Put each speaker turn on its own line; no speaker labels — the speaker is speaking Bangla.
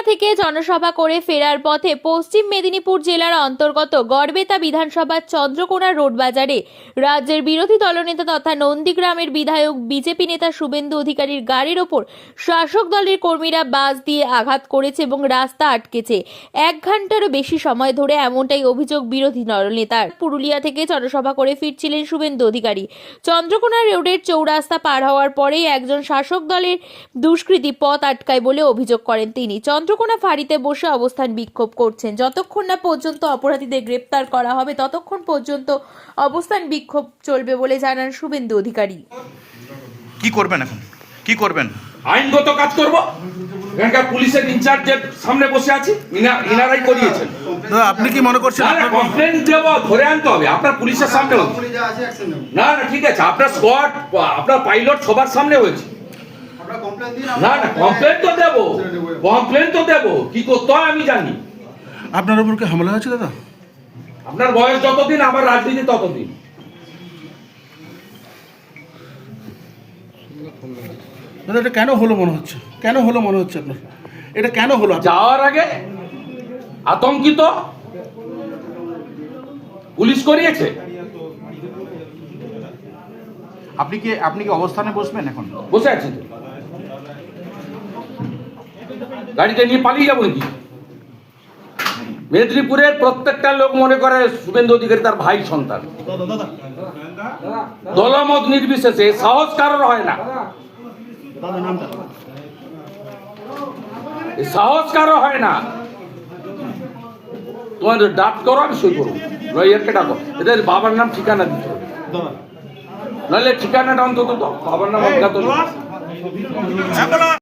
থেকে জনসভা করে ফেরার পথে পশ্চিম মেদিনীপুর জেলার অন্তর্গত গড়বেতা বিধানসভার চন্দ্রকোনা রোড বাজারে রাজ্যের বিরোধী দলনেতা তথা নন্দীগ্রামের বিধায়ক বিজেপি নেতা শুভেন্দু অধিকারীর গাড়ির ওপর শাসক দলের কর্মীরা বাস দিয়ে আঘাত করেছে এবং রাস্তা আটকেছে। 1 ঘন্টারও বেশি সময় ধরে, এমনটাই অভিযোগ বিরোধী দলনেতার। পুরুলিয়া থেকে জনসভা করে ফিরছিলেন শুভেন্দু অধিকারী। চন্দ্রকোনা রোডের চৌরাস্তা পার হওয়ার পরেই একজন শাসক দলের দুষ্কৃতী পথ আটকায় বলে অভিযোগ করেন তিনি। চন্দ্রকোনা ফাঁড়িতে বসে অবস্থান বিক্ষোভ করছেন। যতক্ষণ না পর্যন্ত অপরাধীদের গ্রেপ্তার করা হবে ততক্ষণ পর্যন্ত অবস্থান বিক্ষোভ চলবে বলে জানান শুভেন্দু অধিকারী।
কি করবেন এখন? কি করবেন?
আইনগত কাজ করব। এখানকার পুলিশের ইনচার্জের সামনে বসে আছি, ইনারাই করিয়েছেন।
দাদা, আপনি কি মনে করছেন?
কমপ্লেন দেবো, ধরে আনতে হবে আপনার পুলিশের সামনে। না না, ঠিক আছে, আপনার স্কোয়াড, আপনার পাইলট সবার সামনে হয়েছে। না না, কমপ্লেন তো দেবো, কমপ্লেন তো দেবো। কি করতে হয় আমি জানি।
আপনার উপর কি হামলা হয়েছে দাদা?
আপনার বয়স যতদিন, আমার রাজনীতি ততদিন।
দাদা, এটা কেন হলো মনে হচ্ছে? কেন হলো মনে হচ্ছে আপনার? এটা কেন হলো?
যাওয়ার আগে আতঙ্কিত পুলিশ করিয়েছে।
আপনি কি অবস্থানে বসবেন এখন?
বসে আছি তো। গাড়িটা নিয়ে পালিয়ে যাবো নাকি? মেদিনীপুরের প্রত্যেকটা লোক মনে করে শুভেন্দু অধিকারী তার ভাই সন্তান। দলমত নির্বিশেষে সাহস কারোর হয় না, সাহস কারো হয় না। তোমাদের ডাক করো, আমি সই করবো। লয়ারকে ডাকো, এদের বাবার নাম ঠিকানা দিতে হবে, নাহলে ঠিকানাটা অন্তত বাবার নাম অজ্ঞাত।